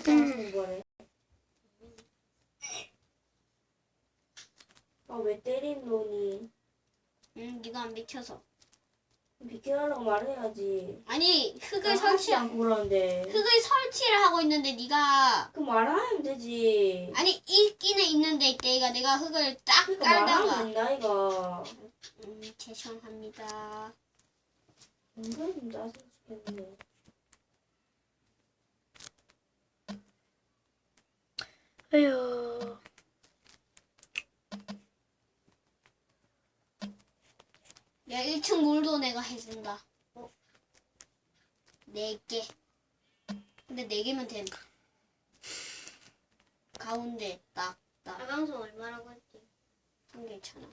하는 거네. 아, 왜 때린 놈이? 네가 안 비켜서. 비켜라고 말해야지. 아니 흙을 하지 설치 않고 그러는데. 흙을 설치를 하고 있는데 네가 그 말하면 되지. 아니 있기는 있는데 내가 흙을 딱 그러니까 말하면 깔다가 된다 이거. 죄송합니다. 은근 좀 짜증 죽겠네. 에휴. 야 1층 물도 내가 해준다. 4개. 근데 4개면 됨. 가운데 딱. 가방송 얼마라고 했지? 1개 있잖아.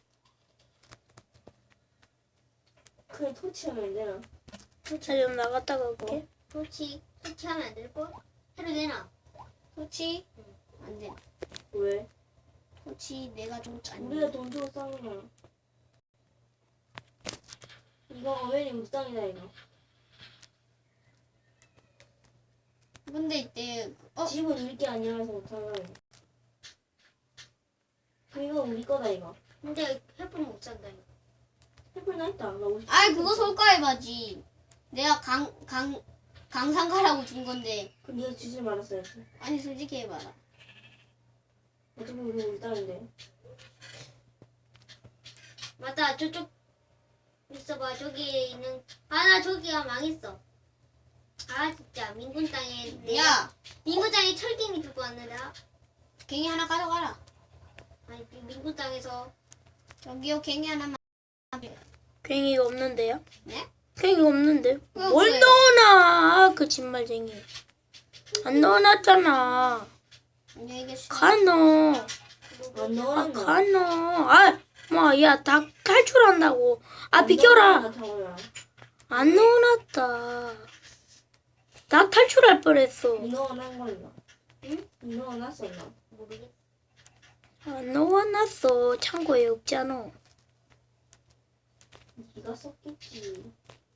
그래 토치하면 되나? 나 좀 나갔다가 올게. 설치하면 안 될 걸? 해도 되나? 토치? 안 돼. 왜? 토치 내가 좀 짠. 우리가 돈 주고 싸는 거야. 이거 어메리 묵상이다 이거. 근데 이때 집은 우리 게 아니라서 못하는 거야. 그럼 이거 우리 거다 이거. 근데 햇불 못 산다 이거. 햇불 나 있다. 나 50. 아이 그거 솔까해봐지. 내가 강상가라고 준 건데. 그럼 네가 주질 말았어야지. 아니 솔직히 해봐라. 어차피 우리 땅인데. 맞다 저쪽 있어봐 저기 있는 나 저기가 망했어. 아 진짜 민군 땅에 야 민군 땅에 철갱이 들고 왔는데 갱이 하나 가져가라. 아니 민군 땅에서 저기요 갱이 하나만. 괭이가 없는데요? 네? 괭이가 없는데? 왜 뭘 없어요? 넣어놔 그 진말쟁이. 안 넣어놨잖아. 안녕히 계세요. 가 넣어. 안 아, 넣어놨나? 가 넣어. 아, 뭐, 야, 다 탈출한다고. 아, 비켜라. 안 넣어놨다. 나 탈출할 뻔했어. 니 넣어놓은 거였나? 응? 니 넣어놨었나? 모르겠어. 안 넣어놨어. 창고에 없잖아. 니가 썼겠지.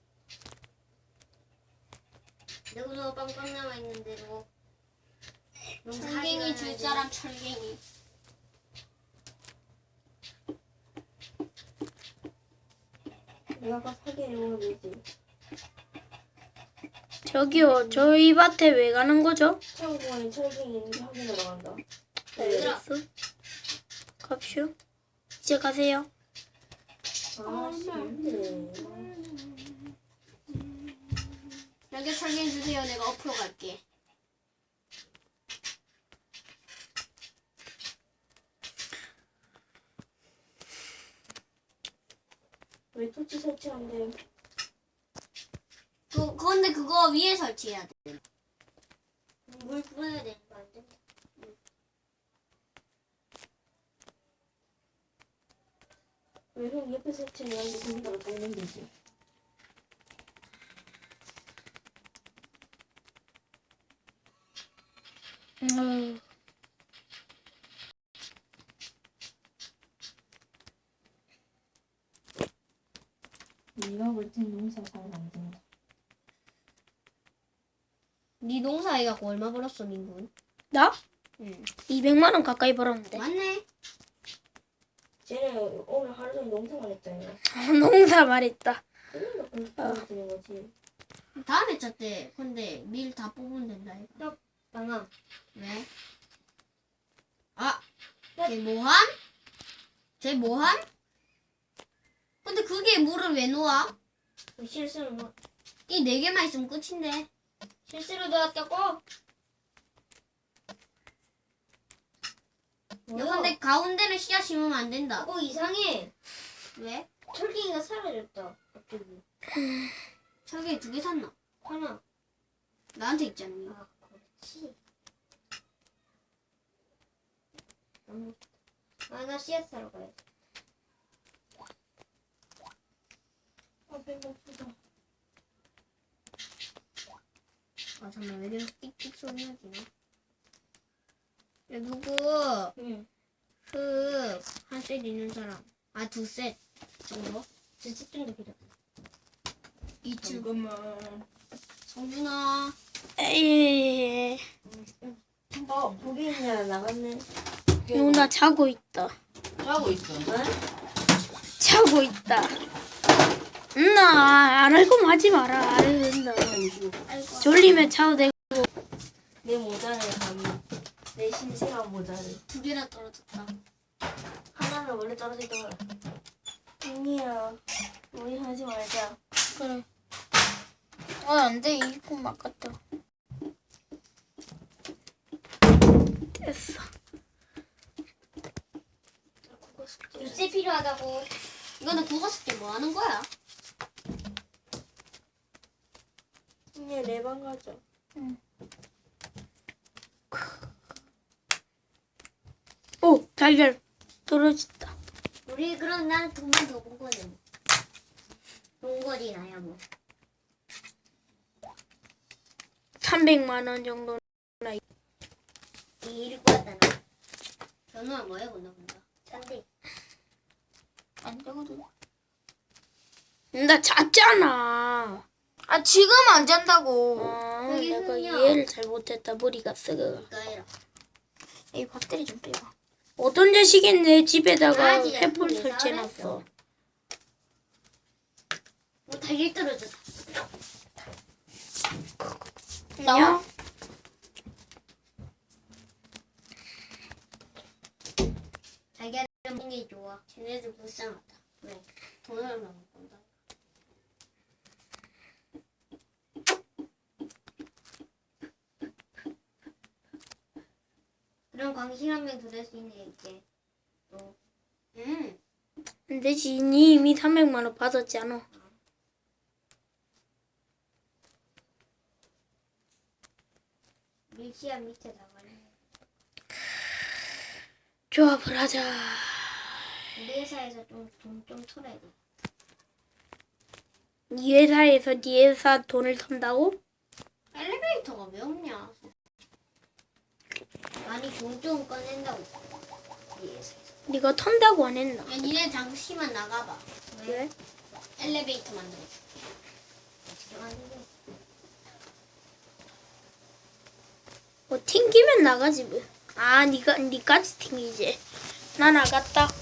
너도 빵빵 남아 있는데 너. 철갱이 줄 사람 철갱이. 내가 아까 사기를 오면 되지. 저기요, 저희 밭에 왜 가는 거죠? 창고에 철갱이 있는지 확인하러 간다. 알겠어. 갑시오. 이제 가세요. 아, 싫은데. 여기 철갱이 주세요. 내가 앞으로 갈게. 왜 토치 설치한대? 그건데 그거 위에 설치해야 돼. 물 부어야 되니까 안 돼. 왜 형 옆에 설치해가지고 거기다가 꽂는 되지? 네가 볼 땐 농사 잘 안 된다. 네 농사 해갖고 얼마 벌었어 민군? 나? 응. 200만 원 가까이 벌었는데. 맞네. 쟤는 오늘 하루 종일 농사만 했잖아. 농사 말했다. 그러니까 그렇게 보여주는 거지. 다음에 짰대. 근데 밀 다 뽑으면 된다 이거. 방아. 왜? 아, 쟤 뭐함? 쟤 뭐함? 근데 그게 물을 왜 놓아? 실수로 뭐 이 4개만 있으면 끝인데. 실수로 넣었다고? 야, 근데 가운데는 씨앗 심으면 안 된다. 그거 이상해. 왜? 철갱이가 사라졌다. 갑자기. 철개 2개 샀나? 하나. 나한테 있잖니. 아 그렇지. 나 씨앗 사러 가야지. 아, 배고프다. 아, 잠깐만. 왜 계속 띡띡 소리 나지나? 야, 누구 응. 한 셋 있는 사람. 아, 2셋 정도? 두집 정도 필요. 2층. 잠깐만. 성준아. 에이. 나갔네. 누나 자고 있다. 하고 있어. 자고 있다. 누나 안 할 거면 하지 마라. 안 해도 된다. 아이고. 졸리면 자도 되고. 내 모자를 감히. 내 신생한 모자를. 2개나 떨어졌다. 하나는 원래 떨어지던 거야. 언니야, 우리 하지 말자. 그래. 안돼 이거 아깝다. 됐어. 유세 필요하다고. 이거는 국어 숙제 뭐 하는 거야? 언니 내 방 가자. 오 달걀 떨어졌다. 우리 그럼 난 돈만 더 본 거네. 뭐. 동거리 나야 뭐. 300만 원 정도. 이 일을 꾸었다 나. 전우야 뭐 해본다 본다. 잔데. 안 되거든. 나 잤잖아. 아 지금 안 잔다고. 여기 내가 흥이야. 이해를 잘못했다. 머리가 썩어. 그러니까 해라. 이 배터리 좀 빼봐. 어떤 자식이 내 집에다가 아, 진짜 횃불 그게 설치해놨어. 뭐 달걀 떨어졌다. 나와. 달걀 먹는 게 좋아. 쟤네들 불쌍하다. 왜? 돈을 못 본다. 그럼 광신 한 명 더 낼 수 있네 이제. 또 안 되지. 니 이미 300만 원 받았지 않아? 밀치야 밑에 나가네. 조합을 하자. 우리 회사에서 좀 돈 좀 털어야 돼. 니 회사에서 니 회사 돈을 턴다고? 엘리베이터가 왜 없냐? 아니 돈 좀 꺼낸다고. 우리 회사에서. 니가 턴다고 안 했나? 야 니네 잠시만 나가봐. 왜? 엘리베이터 만들어줄게. 어떻게 하는데? 뭐 튕기면 나가지 뭐. 아 니까지 튕기지. 나 나갔다.